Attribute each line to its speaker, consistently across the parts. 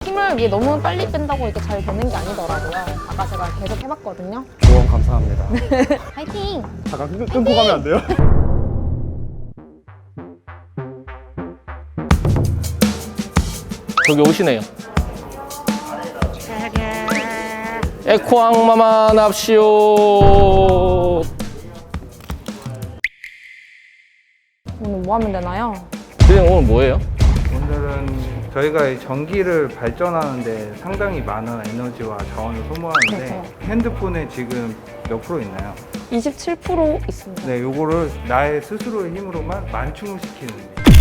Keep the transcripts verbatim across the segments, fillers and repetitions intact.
Speaker 1: 힘을 이게 너무 빨리 뺀다고 이렇게 잘 되는 게 아니더라고요. 아까 제가 계속 해봤거든요.
Speaker 2: 조언 감사합니다.
Speaker 1: 화이팅!
Speaker 2: 잠깐 끊, 끊고 가면 안 돼요?
Speaker 3: 저기 오시네요. 에코악마마 납시오.
Speaker 1: 오늘 뭐 하면 되나요?
Speaker 3: 선생님 오늘 뭐예요?
Speaker 4: 오늘은 저희가 이 전기를 발전하는데 상당히 많은 에너지와 자원을 소모하는데
Speaker 1: 그렇죠.
Speaker 4: 핸드폰에 지금 몇 프로 있나요?
Speaker 1: 이십칠 퍼센트 있습니다.
Speaker 4: 네, 요거를 나의 스스로의 힘으로만 만충을 시키는.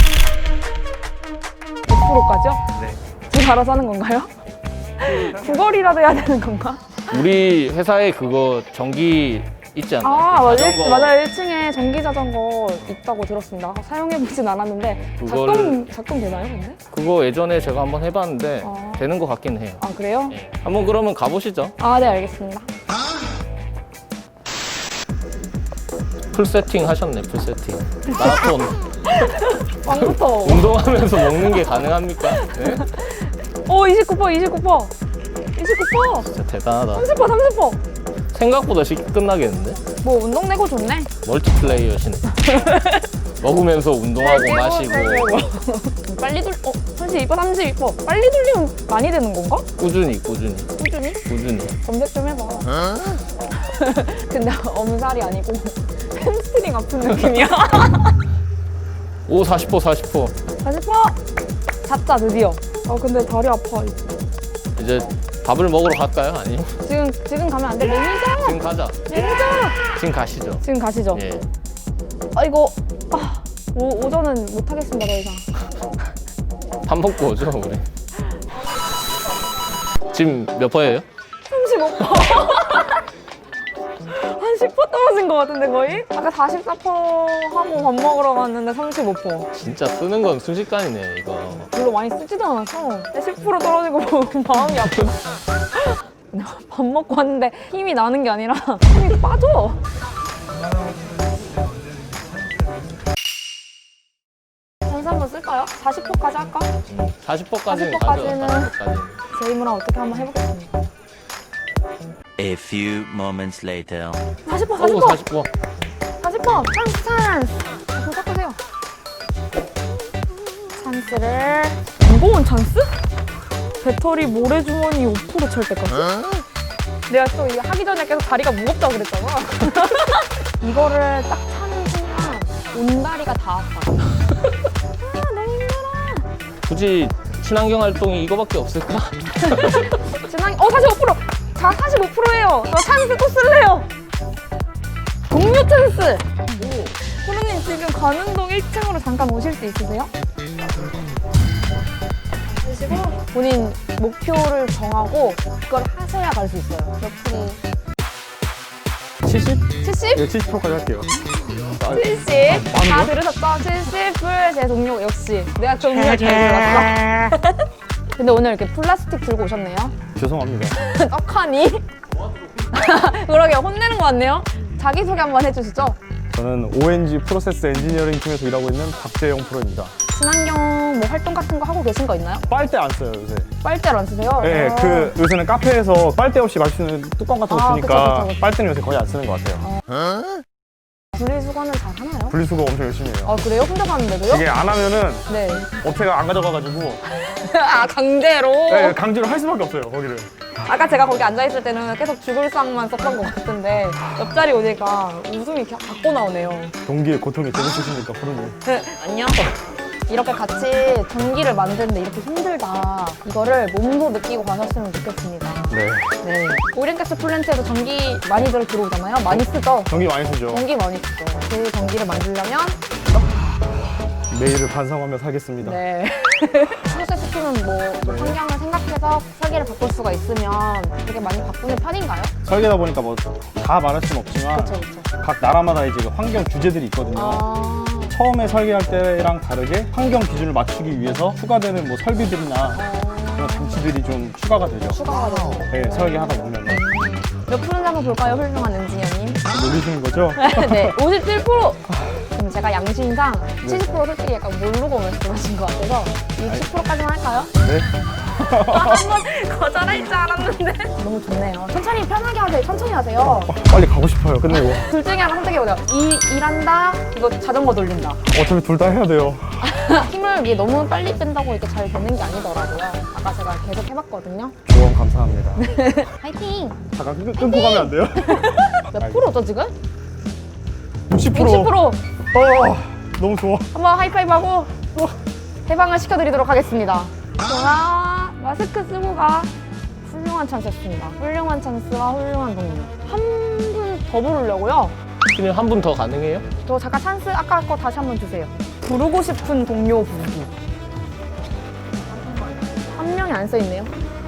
Speaker 1: 백 퍼센트까지요?
Speaker 4: 네.
Speaker 1: 제가 알아서 하는 건가요? 구걸이라도 해야 되는 건가?
Speaker 3: 우리 회사에 그거 전기 있지 않나요?
Speaker 1: 아, 맞아요.
Speaker 3: 자전거.
Speaker 1: 맞아요. 일 층에 전기 자전거 있다고 들었습니다. 사용해보진 않았는데
Speaker 3: 그거를-
Speaker 1: 작동, 작동 되나요, 근데?
Speaker 3: 그거 예전에 제가 한번 해봤는데
Speaker 1: 아.
Speaker 3: 되는 것 같긴 해요.
Speaker 1: 아, 그래요?
Speaker 3: 예. 한번 그러면 가보시죠.
Speaker 1: 아, 네, 알겠습니다.
Speaker 3: 풀 세팅 하셨네, 풀 세팅. 마라톤.
Speaker 1: 빵부터.
Speaker 3: 운동하면서 먹는 게 가능합니까? 네?
Speaker 1: 오, 이십구 퍼센트, 이십구 퍼센트. 이십구 퍼센트.
Speaker 3: 진짜 대단하다.
Speaker 1: 삼십 퍼센트, 삼십 퍼센트.
Speaker 3: 생각보다 쉽게 끝나겠는데?
Speaker 1: 뭐, 운동 내고 좋네.
Speaker 3: 멀티플레이어시네. 먹으면서 운동하고
Speaker 1: 네,
Speaker 3: 마시고
Speaker 1: 빨리 돌, 어, 삼십이 퍼센트, 삼십이 퍼센트. 빨리 돌리면 많이 되는 건가?
Speaker 3: 꾸준히 꾸준히
Speaker 1: 꾸준히?
Speaker 3: 꾸준히.
Speaker 1: 검색 좀 해봐. 근데 엄살이 아니고 햄스트링 아픈 느낌이야.
Speaker 3: 오 사십 퍼센트 사십 퍼센트.
Speaker 1: 사십 퍼센트. 잤다, 드디어. 아, 근데 다리 아파.
Speaker 3: 이제 밥을 먹으러 갈까요? 아니면
Speaker 1: 지금, 지금 가면 안 돼. 매니저!
Speaker 3: 지금 가자.
Speaker 1: 매니저!
Speaker 3: 지금 가시죠.
Speaker 1: 지금 가시죠.
Speaker 3: 예.
Speaker 1: 아, 이거, 아, 오, 오전은 못하겠습니다, 더 이상.
Speaker 3: 밥 먹고 오죠 우리. 지금 몇 퍼예요?
Speaker 1: 삼십오 퍼센트. 한 십 퍼센트 떨어진 것 같은데, 거의? 아까 사십사 퍼센트 하고 밥 먹으러 갔는데 삼십오 퍼센트.
Speaker 3: 진짜 쓰는 건 순식간이네 이거.
Speaker 1: 별로 많이 쓰지도 않았어. 십 퍼센트 떨어지고 보면 마음이 아프다. 밥 먹고 왔는데 힘이 나는 게 아니라 힘이 빠져. 선수 한번 쓸까요? 사십 퍼센트까지 할까?
Speaker 3: 사십 퍼센트까지는
Speaker 1: 사십
Speaker 3: 가죠.
Speaker 1: 퍼센트까지는
Speaker 3: 사십 퍼센트까지는.
Speaker 1: 제 힘으로 어떻게 한번 해보겠습니다.
Speaker 5: A few moments later.
Speaker 1: 사십 퍼센트,
Speaker 3: 오
Speaker 1: 사십 퍼센트,
Speaker 3: 사십 퍼센트.
Speaker 1: 사십 퍼센트. 찬스, 찬스. 자, 손 닦으세요. 찬스를. 무거운 찬스? 배터리 모래주머니 오 퍼센트 찰 때까지? 내가 또 이거 하기 전에 계속 다리가 무겁다고 그랬잖아. 이거를 딱 차는 순간 온다리가 다 아파. 아, 너무 힘들어.
Speaker 3: 굳이 친환경 활동이 이거밖에 없을까?
Speaker 1: 진앙, 어, 사십오 퍼센트! 자, 사십오 퍼센트예요. 저 찬스 또 쓸래요. 동료 찬스! 호루님 지금 가능동 일 층으로 잠깐 오실 수 있으세요? 그리고 본인 목표를 정하고 그걸 하셔야 갈 수 있어요. 몇 프로?
Speaker 2: 칠십?
Speaker 1: 칠십?
Speaker 2: 네, 칠십 퍼센트까지 할게요.
Speaker 1: 칠십? 다 들으셨죠? 칠십을 제 동료 역시 내가 동료를 잘 골랐어. 근데 오늘 이렇게 플라스틱 들고 오셨네요.
Speaker 2: 죄송합니다.
Speaker 1: 떡하니? 그러게 혼내는 것 같네요. 자기소개 한번 해주시죠.
Speaker 2: 저는 오엔지 프로세스 엔지니어링 팀에서 일하고 있는 박재영 프로입니다.
Speaker 1: 친환경 뭐 활동 같은 거 하고 계신 거 있나요?
Speaker 2: 빨대 안 써요, 요새.
Speaker 1: 빨대를 안 쓰세요?
Speaker 2: 네,
Speaker 1: 아.
Speaker 2: 그 요새는 카페에서 빨대 없이 마실 수 있는 뚜껑 같은 거
Speaker 1: 아,
Speaker 2: 주니까
Speaker 1: 그쵸, 그쵸, 그쵸.
Speaker 2: 빨대는 요새 거의 안 쓰는 것 같아요.
Speaker 1: 분리수거는 잘 하나요?
Speaker 2: 분리수거 엄청 열심히 해요.
Speaker 1: 아, 그래요? 혼자 가는데도요?
Speaker 2: 이게 안 하면은
Speaker 1: 네.
Speaker 2: 업체가 안 가져가가지고
Speaker 1: 아, 강제로?
Speaker 2: 네, 강제로 할 수밖에 없어요, 거기를.
Speaker 1: 아까 제가 거기 앉아있을 때는 계속 죽을 상만 썼던 것 같은데 옆자리 오니까 웃음이 가- 갖고 나오네요.
Speaker 2: 동기의 고통이 재밌으십니까, 프로님?
Speaker 1: 네, 안녕. 이렇게 같이 전기를 만드는데 이렇게 힘들다. 이거를 몸소 느끼고 가셨으면 좋겠습니다.
Speaker 2: 네.
Speaker 1: 네. 오리엔가스 플랜트에도 전기 많이들 들어오잖아요. 많이 쓰죠?
Speaker 2: 전기 많이 쓰죠.
Speaker 1: 전기 많이 쓰죠. 그 전기를 만들려면
Speaker 2: 매일을 반성하며 살겠습니다.
Speaker 1: 네. 프로세스 팀은 뭐, 뭐 환경을 생각해서 설계를 바꿀 수가 있으면 되게 많이 바꾸는 편인가요?
Speaker 2: 설계다 보니까 뭐 다 말할 수는 없지만
Speaker 1: 그렇죠, 그렇죠.
Speaker 2: 각 나라마다 이제 그 환경 규제들이 있거든요.
Speaker 1: 아,
Speaker 2: 처음에 설계할 때랑 다르게 환경 기준을 맞추기 위해서 추가되는 뭐 설비들이나
Speaker 1: 어,
Speaker 2: 그런 장치들이 좀 추가가 되죠.
Speaker 1: 추가가 되죠.
Speaker 2: 네, 설계하다 보면
Speaker 1: 몇 프로인지 한번 볼까요, 훌륭한 엔지니어님?
Speaker 2: 놀리시는 거죠?
Speaker 1: 네, 오십칠 퍼센트! 그럼 제가 양심상 칠십 퍼센트 솔직히 약간 모르고 말씀하신 것 같아서 육십 퍼센트까지만 할까요?
Speaker 2: 네.
Speaker 1: 한번 거절할 줄 알았는데. 너무 좋네요. 천천히 편하게 하세요. 천천히 하세요.
Speaker 2: 빨리 가고 싶어요. 근데 이거
Speaker 1: 둘 중에 하나 선택해보세요. 이, 일한다, 이거 자전거 돌린다.
Speaker 2: 어차피 둘 다 해야 돼요.
Speaker 1: 힘을 이게 너무 빨리 뺀다고 이렇게 잘 되는 게 아니더라고요. 아까 제가 계속 해봤거든요.
Speaker 2: 조언 감사합니다.
Speaker 1: 화이팅!
Speaker 2: 잠깐 끊, 끊고 가면 안 돼요?
Speaker 1: 몇 프로죠 지금?
Speaker 2: 육십 퍼센트.
Speaker 1: 육십 프로!
Speaker 2: 어, 너무 좋아.
Speaker 1: 한번 하이파이브 하고 해방을 시켜드리도록 하겠습니다. 좋아. 마스크 쓰고 가. 훌륭한 찬스였습니다. 훌륭한 찬스와 훌륭한 동료. 한 분 더 부르려고요.
Speaker 3: 피디님 한 분 더 가능해요?
Speaker 1: 저 잠깐 찬스 아까 거 다시 한번 주세요. 부르고 싶은 동료 부르기. 한 명이 안 써있네요.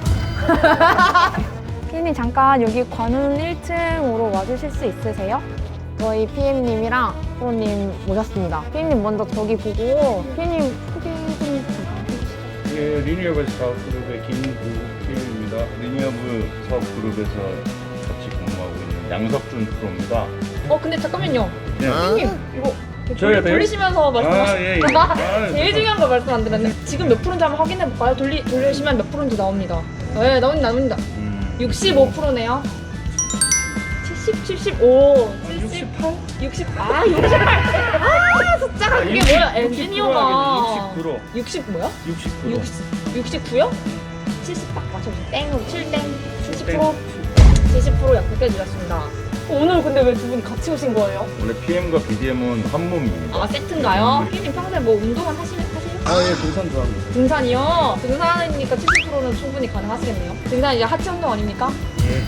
Speaker 1: 피엠님 잠깐 여기 관훈 일 층으로 와주실 수 있으세요? 저희 피엠님이랑 프로님 모셨습니다. 피엠님 먼저 저기 보고 피엠님 소개 좀 부탁드립니다.
Speaker 6: 예, 리니어블 사업그룹의 김구일입니다. 리니어블 사업그룹에서 같이 근무하고 있는 양석준 프로입니다.
Speaker 1: 어 근데 잠깐만요.
Speaker 6: 네.
Speaker 1: 피엠님 이거
Speaker 6: 저야 돼요?
Speaker 1: 돌리시면서 말씀하시.
Speaker 6: 아, 예, 예.
Speaker 1: 제일
Speaker 6: 아,
Speaker 1: 중요한 거 말씀 안 드렸네. 지금 몇 프로인지 한번 확인해 볼까요? 돌리 돌리시면 몇 프로인지 나옵니다. 네 나옵니다 나옵니다.
Speaker 6: 음,
Speaker 1: 육십오 퍼센트네요. 칠십, 칠십오, 칠십팔, 육십, 아 육십팔. 아 숫자가 그게 뭐야? 엔지니어가
Speaker 6: 육십구 로
Speaker 1: 육십 뭐야?
Speaker 6: 육십구 로
Speaker 1: 육십, 육십구요? 칠십 딱 맞춰주세요. 땡으로 칠 땡, 칠십
Speaker 6: 땡.
Speaker 1: 퍼센트, 칠십 퍼센트 약속해 주셨습니다. 오늘 근데 왜 두 분이 같이 오신 거예요?
Speaker 6: 원래 피엠과 비디엠은 한 몸입니다.
Speaker 1: 아 세트인가요? 피디님 평소에 뭐 운동은 하시면 하세요?
Speaker 6: 아, 예, 등산 좋아합니다.
Speaker 1: 등산이요? 등산이니까 칠십 퍼센트는 충분히 가능하시겠네요. 등산 이제 하체 운동 아닙니까?
Speaker 6: 예.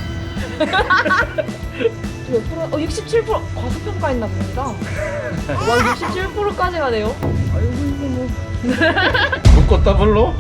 Speaker 1: 몇 프로? 어 육십칠 퍼센트 과소평가했나 봅니다. 와 육십칠 퍼센트까지 가네요.
Speaker 6: 아이고, 이거 뭐. 묶었 더블로?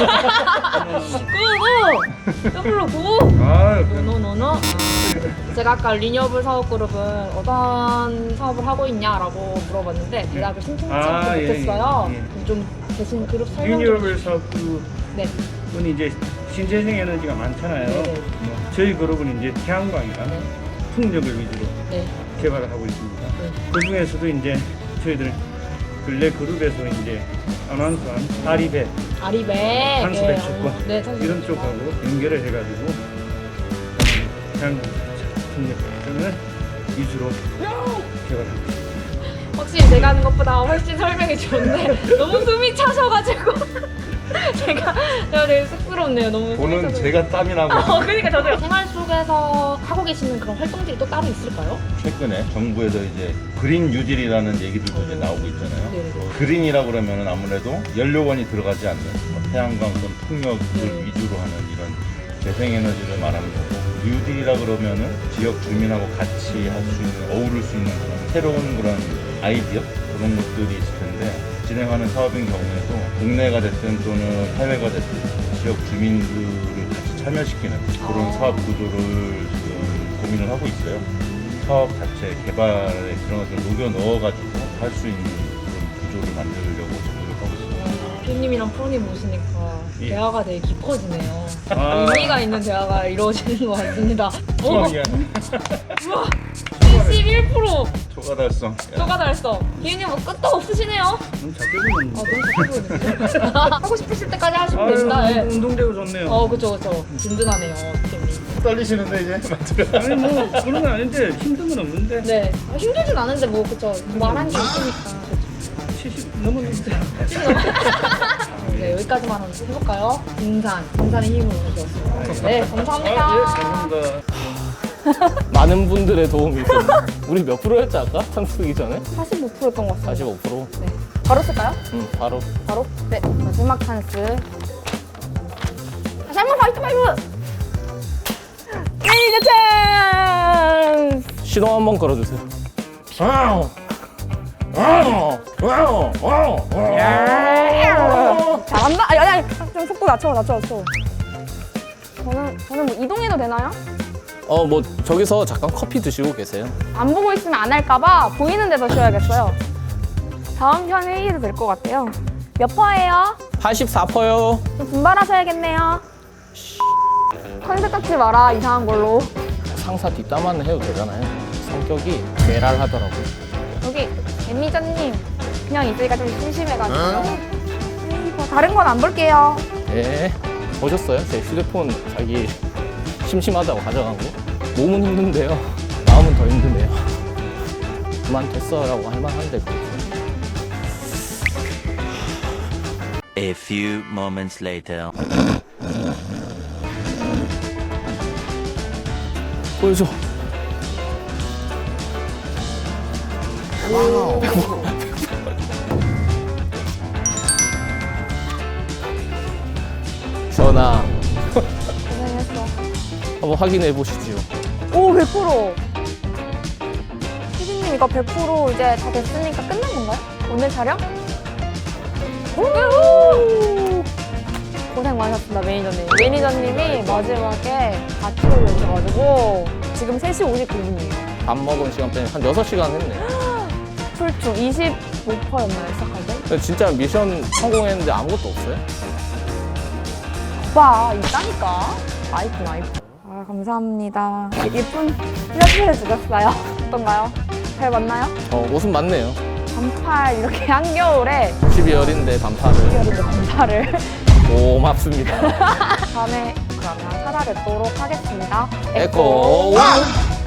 Speaker 1: 구구! 더블로 구구!
Speaker 6: 아, 그,
Speaker 1: 노노노노. 제가 아까 리니어블 사업그룹은 어떤 사업을 하고 있냐라고 물어봤는데 대답을 신청치
Speaker 6: 아,
Speaker 1: 않고
Speaker 6: 예,
Speaker 1: 못했어요.
Speaker 6: 예,
Speaker 1: 좀 대신 그룹 설명 좀.
Speaker 6: 리니어블 사업그룹은
Speaker 1: 네.
Speaker 6: 이제 신재생 에너지가 많잖아요.
Speaker 1: 네네.
Speaker 6: 뭐, 저희 그룹은 이제 태양광이랑
Speaker 1: 네.
Speaker 6: 풍력을 위주로
Speaker 1: 네.
Speaker 6: 개발을 하고 있습니다.
Speaker 1: 네.
Speaker 6: 그 중에서도 이제 저희들 근래 그룹에서 이제 아나운서한 아리배,
Speaker 1: 아리배.
Speaker 6: 탄소
Speaker 1: 네,
Speaker 6: 배출권
Speaker 1: 어, 네, 탄소
Speaker 6: 이런
Speaker 1: 배출권.
Speaker 6: 쪽하고 연결을 해가지고 태양광 풍력 발전을 위주로 개발하고 있습니다.
Speaker 1: 확실히 제가 하는 것보다 훨씬 설명이 좋은데 너무 숨이 차셔가지고 제가 제가 되게 쑥스럽네요. 너무 숨이
Speaker 6: 보는
Speaker 1: 차서.
Speaker 6: 제가 땀이 나고
Speaker 1: 어, 그러니까 저도요. 생활 속에서 하고 계시는 그런 활동들이 또 따로 있을까요?
Speaker 7: 최근에 정부에서 이제 그린 뉴딜이라는 얘기들도 이제 나오고 있잖아요.
Speaker 1: 네네.
Speaker 7: 그린이라고 그러면 아무래도 연료원이 들어가지 않는 뭐 태양광 또는 풍력을
Speaker 1: 네.
Speaker 7: 위주로 하는 이런 재생에너지를 말하는 거고, 뉴딜이라 그러면은 지역 주민하고 같이 할 수 있는, 어우를 수 있는 그런 새로운 그런 아이디어 그런 것들이 있을 텐데, 진행하는 사업인 경우에도 국내가 됐든 또는 해외가 됐든 지역 주민들을 같이 참여시키는 그런
Speaker 1: 아.
Speaker 7: 사업 구조를 지금 고민을 하고 있어요. 사업 자체 개발에 그런 것을 녹여 넣어가지고 할 수 있는 그런 구조를 만들려고 지금 노력하고 있습니다.
Speaker 1: 피디님이랑 프로님 모시니까
Speaker 6: 예.
Speaker 1: 대화가 되게 깊어지네요.
Speaker 6: 아.
Speaker 1: 의미가 있는 대화가 이루어지는 것 같습니다. 오,
Speaker 7: 수학이야.
Speaker 1: 우와, 칠십일 퍼센트
Speaker 7: 초과 달성.
Speaker 1: 초과 달성. 피디님 뭐 끝도 없으시네요.
Speaker 6: 너무 작게 보였는데.
Speaker 1: 아 너무 좋거든요. 하고 싶으실 때까지 하시면 됩니다.
Speaker 6: 아유,
Speaker 1: 예.
Speaker 6: 운동되고 좋네요.
Speaker 1: 어 그쵸 그쵸. 든든하네요 피디님.
Speaker 7: 떨리시는데 이제 맞죠?
Speaker 6: 아니 뭐 그런 건 아닌데 힘든 건 없는데
Speaker 1: 네 아, 힘들진 않은데 뭐 그쵸 말한 게 있으니까.
Speaker 6: 칠십 넘었는데.
Speaker 1: 네 여기까지만 한번 해볼까요? 등산 등산의 힘을 얻었습니다. 네 감사합니다.
Speaker 6: 아, 예, 감사합니다.
Speaker 3: 많은 분들의 도움이 있었네. 우리 몇 프로였지 아까? 참석이 전에?
Speaker 1: 사십오 퍼센트였던 것 같습니다.
Speaker 3: 사십오 퍼센트.
Speaker 1: 네 바로 쓸까요?
Speaker 3: 응, 바로.
Speaker 1: 바로? 네 마지막 찬스. 다시 한번 화이트 파이브. 레이저 찬스.
Speaker 3: 시동 한번 걸어주세요.
Speaker 1: 잘한다. 아니 아니 아니. 좀 속도 낮춰 낮춰 낮춰. 저는 저는 뭐 이동해도 되나요?
Speaker 3: 어, 뭐 저기서 잠깐 커피 드시고 계세요.
Speaker 1: 안 보고 있으면 안 할까봐 보이는 데서 쉬어야겠어요. 다음 편 회의도 될 것 같아요. 몇 퍼예요?
Speaker 3: 팔십사 퍼센트요.
Speaker 1: 좀 분발하셔야겠네요. 컨셉 잡지 마라 이상한 걸로.
Speaker 3: 상사 뒷담화는 해도 되잖아요. 성격이 괴랄하더라고요.
Speaker 1: 여기 매니저님 그냥 있으니까 좀 심심해가지고요. 에이, 뭐 다른 건 안 볼게요.
Speaker 3: 예. 보셨어요? 제 휴대폰 자기 심심하다고 가져간 거? 몸은 힘든데요. 마음은 더 힘드네요. 그만뒀어라고 할 만한데 그거.
Speaker 5: A few moments later.
Speaker 3: 보여줘. 전화
Speaker 1: 고생했어.
Speaker 3: 한번 확인해 보시죠.
Speaker 1: 오, 백 퍼센트. 피디님 이거 백 퍼센트 이제 다 됐으니까 끝난 건가요? 오늘 촬영? 오! 고생 많으셨습니다, 매니저님. 매니저님이 마지막에 같이 올려주셔가지고 지금 세 시 오십구 분이에요.
Speaker 3: 밥 먹은 시간 빼면 한 여섯 시간 했네.
Speaker 1: 출중 이십오 퍼센트였나요, 시작할 때?
Speaker 3: 근데 진짜 미션 성공했는데 아무것도 없어요?
Speaker 1: 오빠, 있다니까. 아이폰, 아이폰. 아, 감사합니다. 예쁜 플래시를 주셨어요. 어떤가요? 잘 맞나요?
Speaker 3: 어, 옷은 맞네요.
Speaker 1: 반팔 이렇게 한겨울에
Speaker 3: 십이월인데 반팔을.
Speaker 1: 이어리는 반팔을
Speaker 3: 고맙습니다.
Speaker 1: 다음에 그러면 찾아뵙도록 하겠습니다.
Speaker 3: 에코 원!